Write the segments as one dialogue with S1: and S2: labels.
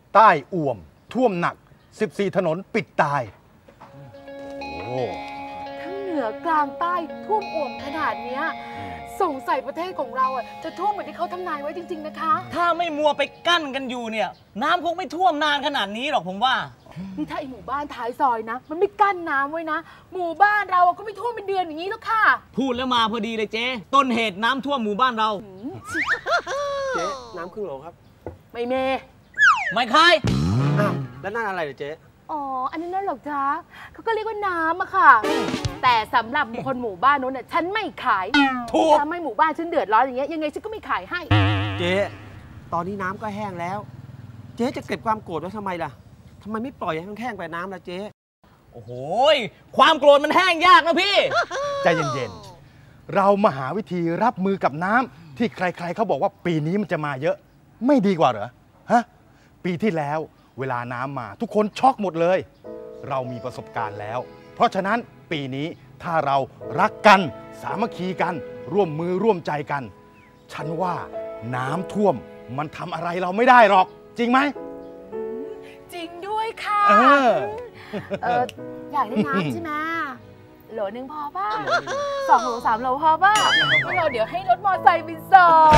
S1: ใต้อ่วมท่วมหนัก14ถนนปิดตายโอ้
S2: ทั้งเหนือกลางใต้ท่วมอ่วมขนาดเนี้ยสงสัยประเทศของเราจะท่วมเหมือนที่เขาทำนายไว้จริงๆนะคะ
S3: ถ้าไม่มัวไปกั้นกันอยู่เนี่ยน้ำคงไม่ท่วมนานขนาดนี้หรอกผมว่า
S2: นี่ถ้าไอหมู่บ้านท้ายซอยนะมันไม่กั้นน้ำไว้นะหมู่บ้านเราก็ไม่ท่วมเป็นเดือนอย่างนี้แล้วค่ะ
S3: พูดแล้วมาพอดีเลยเจ๊ต้นเหตุน้ำท่วมหมู่บ้านเรา
S4: เจ๊น้ำครึ่งโหลครับ
S2: ไม่เม
S3: ไม่ใคร
S4: อ้าวแล้วนั่นอะไรเหรอเจ๊
S2: อ๋ออันนั้นนั่นหรอกจ๊ะเขาก็เรียกว่าน้ำอะค่ะแต่สำหรับคนหมู่บ้านโน้นน่ะฉันไม่ขาย
S3: ถูก
S2: ถ้าไม่หมู่บ้านฉันเดือดร้อนอย่างเงี้ยยังไงฉันก็ไม่ขายให้
S4: เจ๊ตอนนี้น้ำก็แห้งแล้วเจ๊จะเก็บความโกรธไว้ทำไมล่ะทำไมไม่ปล่อยให้มันแห้งไปน้ำล่ะเจ๊
S3: โอ้โหความโกรธมันแห้งยากนะพี่
S1: ใจเย็นๆเรามาหาวิธีรับมือกับน้ำที่ใครๆเขาบอกว่าปีนี้มันจะมาเยอะไม่ดีกว่าเหรอฮะปีที่แล้วเวลาน้ำมาทุกคนช็อกหมดเลยเรามีประสบการณ์แล้วเพราะฉะนั้นปีนี้ถ้าเรารักกันสามัคคีกันร่วมมือร่วมใจกันฉันว่าน้ำท่วมมันทำอะไรเราไม่ได้หรอกจริงไหม
S2: จริงด้วยค่ะอยากได้น้ำใช่ไหมโหลนึงพอป่ะ2 โหล 3 โหลพอป่ะไม่เอาเดี๋ยวให้รถมอเตอร์ไซค์ไปส่ง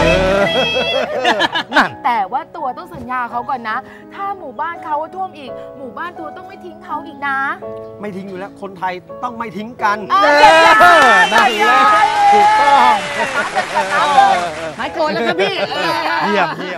S2: แต่ว่าตัวต้องสัญญาเขาก่อนนะถ้าหมู่บ้านเขาท่วมอีกหมู่บ้านตัวต้องไม่ทิ้งเขาอีกนะ
S4: ไม่ทิ้งอยู่แล้วคนไทยต้องไม่ทิ้งกัน
S1: นั่นแหละถูกต้อง
S3: หายโกรธแล้วครับพี่
S1: เยี่ยม